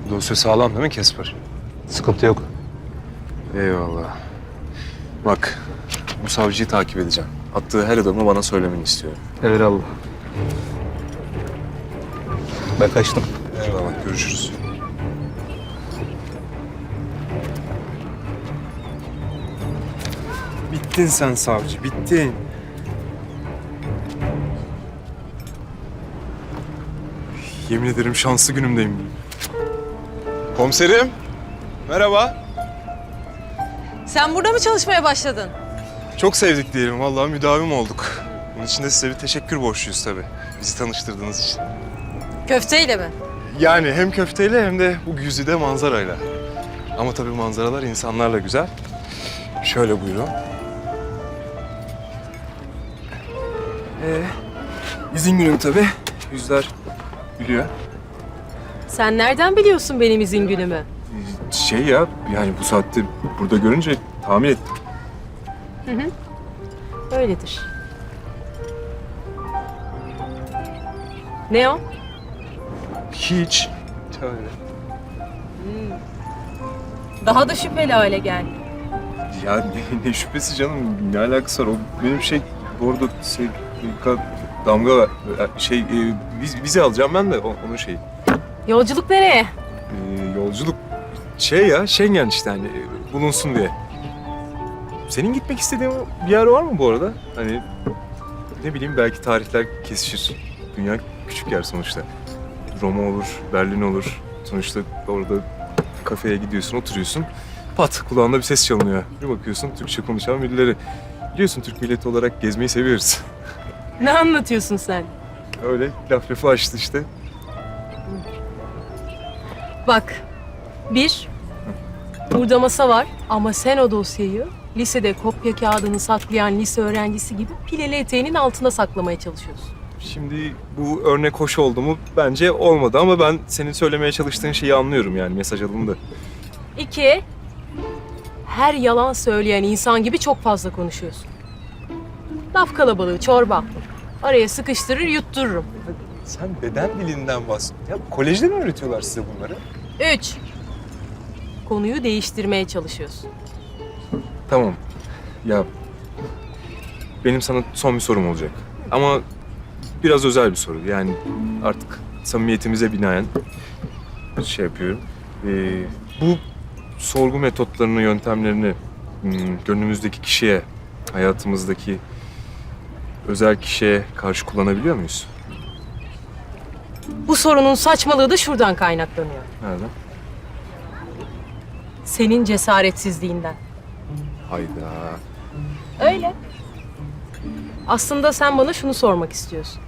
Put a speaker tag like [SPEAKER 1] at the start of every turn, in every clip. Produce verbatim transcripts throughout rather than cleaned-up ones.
[SPEAKER 1] Dosya sağlam değil mi Kesper?
[SPEAKER 2] Sıkıntı yok.
[SPEAKER 1] Eyvallah. Bak, bu savcıyı takip edeceğim. Attığı her adımı bana söylemeni istiyorum.
[SPEAKER 2] Eyvallah. Ben kaçtım.
[SPEAKER 1] Eyvallah, görüşürüz. Bittin sen savcı, bittin. Yemin ederim şanslı günümdeyim. Komiserim, merhaba.
[SPEAKER 3] Sen burada mı çalışmaya başladın?
[SPEAKER 1] Çok sevdik diyelim, vallahi müdavim olduk. Bunun için de size bir teşekkür borçluyuz tabii. Bizi tanıştırdığınız için.
[SPEAKER 3] Köfteyle mi?
[SPEAKER 1] Yani hem köfteyle hem de bu güzide manzarayla. Ama tabii manzaralar insanlarla güzel. Şöyle buyurun. Ee, izin günüm tabii. Yüzler gülüyor.
[SPEAKER 3] Sen nereden biliyorsun benim izin günümü?
[SPEAKER 1] Şey ya, yani bu saatte burada görünce tahmin ettim.
[SPEAKER 3] Hı hı. Öyledir. Ne o?
[SPEAKER 1] Hiç. Öyle.
[SPEAKER 3] Daha da şüpheli hale geldi.
[SPEAKER 1] Ya ne, ne şüphesi canım, ne alakası var? O benim şey, orada şey, damga var. Şey, e, viz, vize alacağım ben de, o, onun şeyi.
[SPEAKER 3] Yolculuk nereye?
[SPEAKER 1] Ee, yolculuk şey ya, Schengen işte hani e, bulunsun diye. Senin gitmek istediğin bir yer var mı bu arada? Hani ne bileyim, belki tarihler kesişir. Dünya küçük yer sonuçta. Roma olur, Berlin olur. Sonuçta orada kafeye gidiyorsun, oturuyorsun. Pat, kulağında bir ses çalınıyor. Bir bakıyorsun Türkçe konuşan birileri. Biliyorsun, Türk milleti olarak gezmeyi seviyoruz.
[SPEAKER 3] Ne anlatıyorsun sen?
[SPEAKER 1] Öyle laf lafı açtı işte.
[SPEAKER 3] Bak, bir, burada masa var ama sen o dosyayı lisede kopya kağıdını saklayan lise öğrencisi gibi pileli eteğinin altına saklamaya çalışıyorsun.
[SPEAKER 1] Şimdi bu örnek hoş oldu mu? Bence olmadı ama ben senin söylemeye çalıştığın şeyi anlıyorum, yani mesaj alındı.
[SPEAKER 3] İki, her yalan söyleyen insan gibi çok fazla konuşuyorsun. Laf kalabalığı, çorba. Araya sıkıştırır, yuttururum.
[SPEAKER 1] Sen beden dilinden bahs... Ya kolejde mi öğretiyorlar size bunları?
[SPEAKER 3] Üç, konuyu değiştirmeye çalışıyorsun.
[SPEAKER 1] Tamam. Ya benim sana son bir sorum olacak. Ama biraz özel bir soru. Yani artık samimiyetimize binaen şey yapıyorum. Ee, bu sorgu metotlarını, yöntemlerini hmm, gönlümüzdeki kişiye, hayatımızdaki özel kişiye karşı kullanabiliyor muyuz?
[SPEAKER 3] Bu sorunun saçmalığı da şuradan kaynaklanıyor.
[SPEAKER 1] Nereden?
[SPEAKER 3] Senin cesaretsizliğinden.
[SPEAKER 1] Hayda.
[SPEAKER 3] Öyle. Aslında sen bana şunu sormak istiyorsun.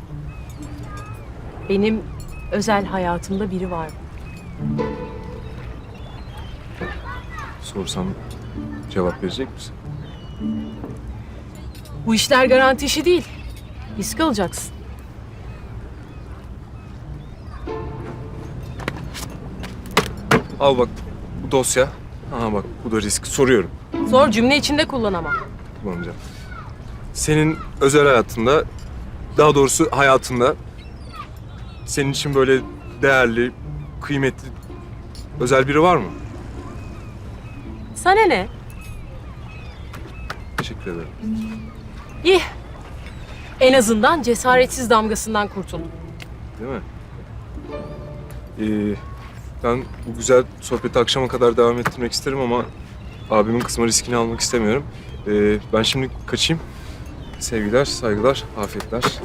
[SPEAKER 3] Benim özel hayatımda biri var mı?
[SPEAKER 1] Sorsam cevap verecek misin?
[SPEAKER 3] Bu işler garanti işi değil. Risk alacaksın.
[SPEAKER 1] Al bak, bu dosya. Aha bak, bu da risk. Soruyorum.
[SPEAKER 3] Zor cümle içinde kullanamam.
[SPEAKER 1] Kullanacağım. Senin özel hayatında, daha doğrusu hayatında senin için böyle değerli, kıymetli, özel biri var mı?
[SPEAKER 3] Sana ne?
[SPEAKER 1] Teşekkür ederim.
[SPEAKER 3] İyi. En azından cesaretsiz damgasından kurtuldum.
[SPEAKER 1] Değil mi? Ee, ben bu güzel sohbeti akşama kadar devam ettirmek isterim ama abimin kısma riskini almak istemiyorum. Ee, ben şimdi kaçayım. Sevgiler, saygılar, afiyetler. Görüşürüz.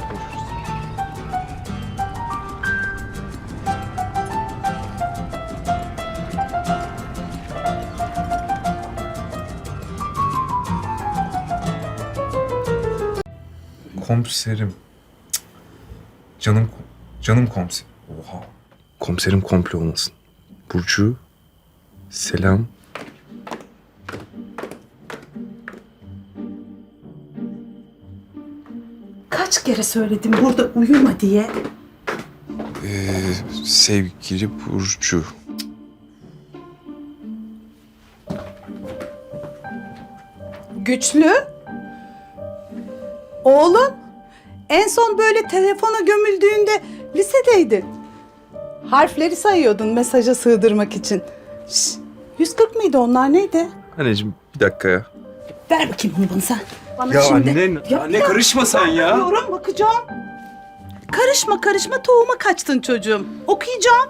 [SPEAKER 1] Komiserim. Cık. Canım, canım komiserim. Oha. Komiserim komple olmasın. Burcu, selam.
[SPEAKER 4] Kaç kere söyledim burada uyuma diye.
[SPEAKER 1] Ee, sevgili Burcu.
[SPEAKER 4] Güçlü. Oğlum, en son böyle telefona gömüldüğünde lisedeydin. Harfleri sayıyordun mesaja sığdırmak için. Şş, yüz kırk mıydı onlar neydi?
[SPEAKER 1] Anneciğim bir dakika ya.
[SPEAKER 4] Ver bakayım bunu bana sen. Bana
[SPEAKER 1] Ya
[SPEAKER 4] şimdi.
[SPEAKER 1] anne,
[SPEAKER 4] Ya,
[SPEAKER 1] anne
[SPEAKER 4] ya.
[SPEAKER 1] karışma sen ya.
[SPEAKER 4] Bakıyorum, bakacağım. Karışma karışma tohuma kaçtın çocuğum. Okuyacağım.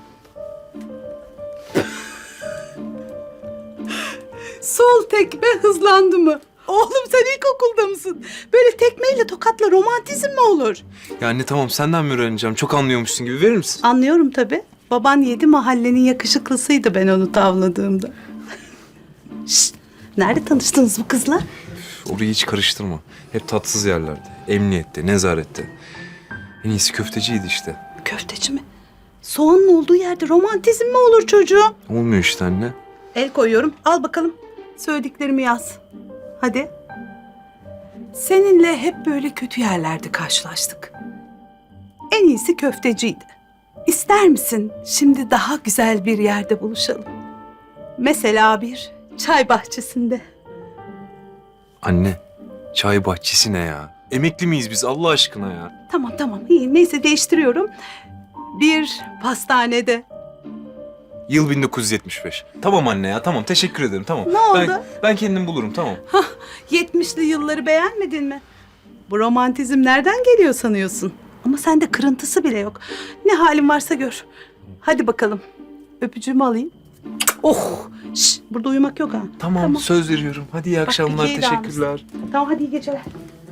[SPEAKER 4] Sol tekme hızlandı mı? Oğlum sen ilkokulda mısın? Böyle tekmeyle tokatla romantizm mi olur?
[SPEAKER 1] Ya anne tamam senden mi öğreneceğim? Çok anlıyormuşsun gibi verir misin?
[SPEAKER 4] Anlıyorum tabii. Baban yedi mahallenin yakışıklısıydı ben onu tavladığımda. Şşt, nerede tanıştınız bu kızla?
[SPEAKER 1] Orayı hiç karıştırma. Hep tatsız yerlerde. Emniyette, nezarette. En iyisi köfteciydi işte.
[SPEAKER 4] Köfteci mi? Soğanın olduğu yerde romantizm mi olur çocuğum?
[SPEAKER 1] Olmuyor işte anne.
[SPEAKER 4] El koyuyorum. Al bakalım. Söylediklerimi yaz. Hadi. Seninle hep böyle kötü yerlerde karşılaştık. En iyisi köfteciydi. İster misin şimdi daha güzel bir yerde buluşalım? Mesela bir çay bahçesinde.
[SPEAKER 1] Anne, çay bahçesi ne ya? Emekli miyiz biz Allah aşkına ya?
[SPEAKER 4] Tamam tamam iyi. Neyse değiştiriyorum. Bir pastanede.
[SPEAKER 1] Yıl bin dokuz yüz yetmiş beş. Tamam anne ya tamam teşekkür ederim tamam.
[SPEAKER 4] Ne oldu?
[SPEAKER 1] Ben, ben kendim bulurum tamam.
[SPEAKER 4] Yetmişli yılları beğenmedin mi? Bu romantizm nereden geliyor sanıyorsun? Ama sende kırıntısı bile yok. Ne halin varsa gör. Hadi bakalım. Öpücüğümü alayım. Oh! Şş, burada uyumak yok ha.
[SPEAKER 1] Tamam, söz veriyorum. Hadi iyi akşamlar
[SPEAKER 4] iyi davranmışsın.
[SPEAKER 1] teşekkürler.
[SPEAKER 4] Tamam hadi iyi geceler.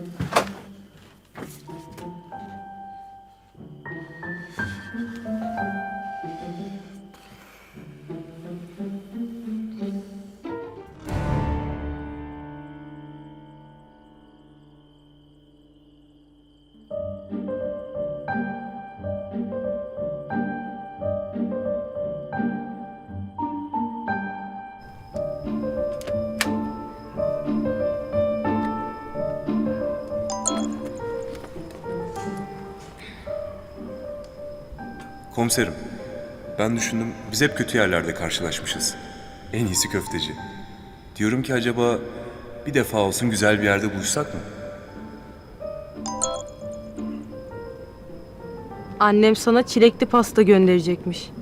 [SPEAKER 1] Komiserim, ben düşündüm biz hep kötü yerlerde karşılaşmışız. En iyisi köfteci. Diyorum ki acaba bir defa olsun güzel bir yerde buluşsak mı?
[SPEAKER 3] Annem sana çilekli pasta gönderecekmiş.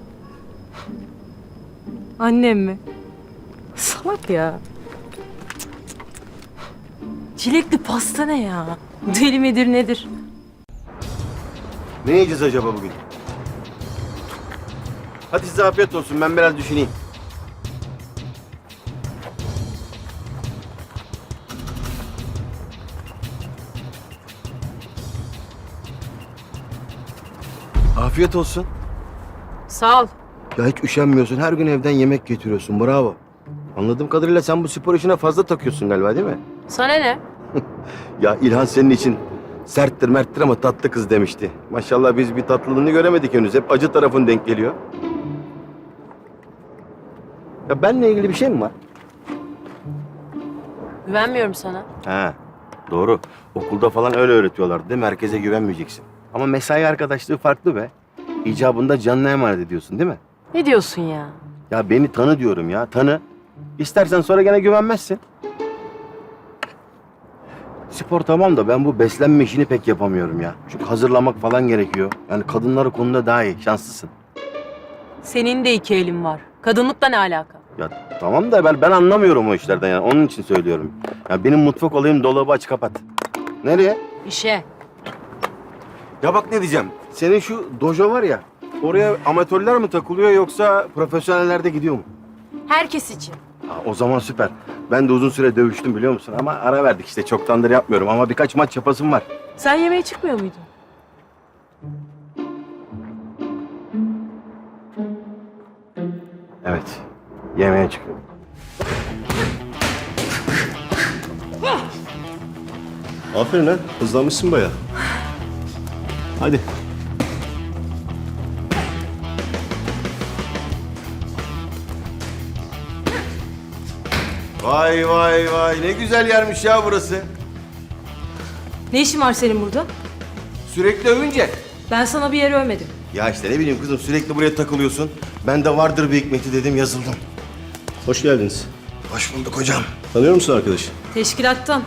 [SPEAKER 3] Annem mi? Salak ya. Çilekli pasta ne ya? Deli midir nedir?
[SPEAKER 5] Ne yiyeceğiz acaba bugün? Hadi size afiyet olsun. Ben biraz düşüneyim. Afiyet olsun.
[SPEAKER 3] Sağ ol.
[SPEAKER 5] Ya hiç üşenmiyorsun. Her gün evden yemek getiriyorsun. Bravo. Anladığım kadarıyla sen bu spor işine fazla takıyorsun galiba değil mi?
[SPEAKER 3] Sana ne?
[SPEAKER 5] Ya İlhan senin için serttir merttir ama tatlı kız demişti. Maşallah biz bir tatlılığını göremedik henüz. Hep acı tarafın denk geliyor. Ya benle ilgili bir şey mi var?
[SPEAKER 3] Güvenmiyorum sana.
[SPEAKER 5] Ha, doğru. Okulda falan öyle öğretiyorlar değil mi? Herkese güvenmeyeceksin. Ama mesai arkadaşlığı farklı be. İcabında canına emanet ediyorsun değil mi?
[SPEAKER 3] Ne diyorsun ya?
[SPEAKER 5] Ya beni tanı diyorum ya, tanı. İstersen sonra gene güvenmezsin. Spor tamam da ben bu beslenme işini pek yapamıyorum ya. Çünkü hazırlamak falan gerekiyor. Yani kadınlar o konuda daha iyi, şanslısın.
[SPEAKER 3] Senin de iki elin var. Kadınlıkla ne alaka?
[SPEAKER 5] Ya tamam da ben, ben anlamıyorum o işlerden yani. Onun için söylüyorum. Ya benim mutfak olayım dolabı aç kapat. Nereye?
[SPEAKER 3] İşe.
[SPEAKER 5] Ya bak ne diyeceğim. Senin şu dojo var ya. Oraya amatörler mi takılıyor yoksa profesyoneller de gidiyor mu?
[SPEAKER 3] Herkes için.
[SPEAKER 5] Ha, o zaman süper. Ben de uzun süre dövüştüm biliyor musun? Ama ara verdik işte. Çoktandır yapmıyorum ama birkaç maç yapasım var.
[SPEAKER 3] Sen yemeğe çıkmıyor muydun?
[SPEAKER 5] Evet. Yemeğe çıkıyorum.
[SPEAKER 6] Aferin lan. Hızlanmışsın bayağı. Hadi.
[SPEAKER 5] Vay vay vay. Ne güzel yermiş ya burası.
[SPEAKER 3] Ne işin var senin burada?
[SPEAKER 5] Sürekli övünce.
[SPEAKER 3] Ben sana bir yere övmedim.
[SPEAKER 5] Ya işte ne bileyim kızım sürekli buraya takılıyorsun. Ben de vardır bir hikmeti dedim yazıldım.
[SPEAKER 6] Hoş geldiniz.
[SPEAKER 5] Hoş bulduk hocam.
[SPEAKER 6] Tanıyor musun arkadaşı?
[SPEAKER 3] Teşkilattan.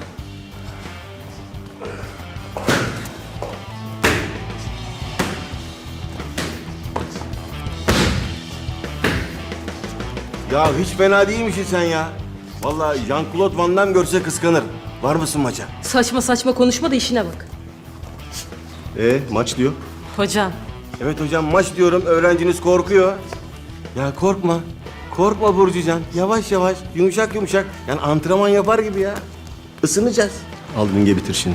[SPEAKER 5] Ya hiç fena değilmişsin sen ya. Vallahi Jean-Claude Van Damme görse kıskanır. Var mısın maça?
[SPEAKER 3] Saçma saçma konuşma da işine bak.
[SPEAKER 6] Ee, maç diyor.
[SPEAKER 3] Hocam.
[SPEAKER 5] Evet hocam maç diyorum, öğrenciniz korkuyor. Ya korkma. Korkma Burcucan. Yavaş yavaş, yumuşak yumuşak. Yani antrenman yapar gibi ya. Isınacağız.
[SPEAKER 6] Al ringe bitir şimdi.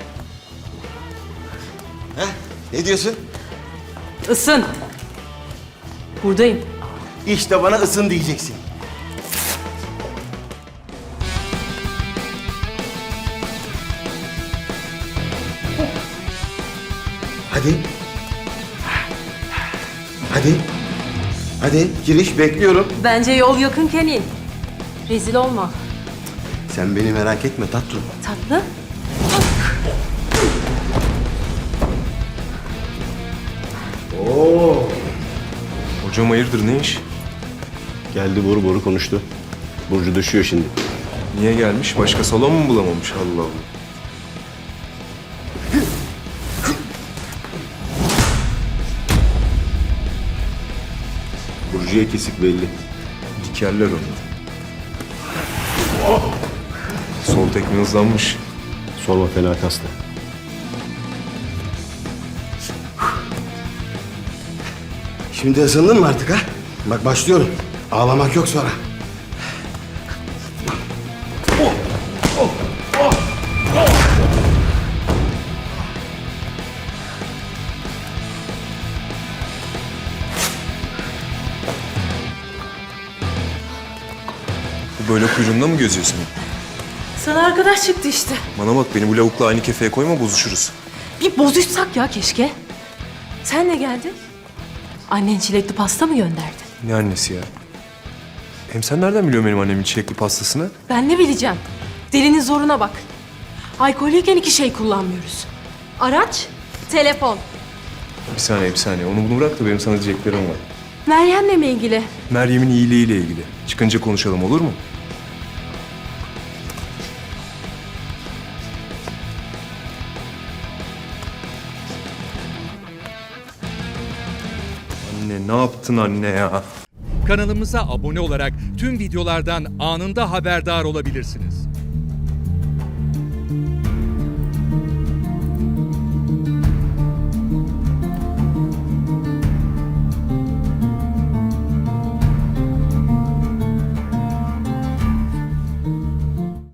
[SPEAKER 5] Heh, ne diyorsun?
[SPEAKER 3] Isın. Buradayım.
[SPEAKER 5] İşte bana ısın diyeceksin. Hadi. Hadi. Hadi giriş bekliyorum.
[SPEAKER 3] Bence yol yakınken in. Rezil olma.
[SPEAKER 5] Sen beni merak etme tatlım.
[SPEAKER 3] Tatlı.
[SPEAKER 1] Hocam hayırdır ne iş?
[SPEAKER 6] Geldi boru boru konuştu. Burcu düşüyor şimdi.
[SPEAKER 1] Niye gelmiş? Başka salon mu bulamamış? Allah Allah.
[SPEAKER 6] Burcu'ya kesik belli.
[SPEAKER 1] Dikerler onu. Sol tekme hızlanmış.
[SPEAKER 6] Sorma fena kastı.
[SPEAKER 5] Şimdi ısındın mı artık ha? Bak başlıyorum. Ağlamak yok sonra.
[SPEAKER 1] Bu böyle kuyruğunda mı geziyorsun?
[SPEAKER 3] Sana arkadaş çıktı işte.
[SPEAKER 1] Bana bak beni bu lavukla aynı kefeye koyma bozuşuruz.
[SPEAKER 3] Bir bozuşsak ya keşke. Sen ne geldin? Annen çilekli pasta mı gönderdi?
[SPEAKER 1] Ne annesi ya? Hem sen nereden biliyorsun benim annemin çilekli pastasını?
[SPEAKER 3] Ben ne bileceğim? Delinin zoruna bak. Alkollüyken iki şey kullanmıyoruz. Araç, telefon.
[SPEAKER 1] Bir saniye bir saniye onu bunu bırak da benim sana diyeceklerim var.
[SPEAKER 3] Meryem'le mi ilgili?
[SPEAKER 1] Meryem'in iyiliğiyle ilgili. Çıkınca konuşalım olur mu? Anne ne yaptın anne ya?
[SPEAKER 7] Kanalımıza abone olarak tüm videolardan anında haberdar olabilirsiniz.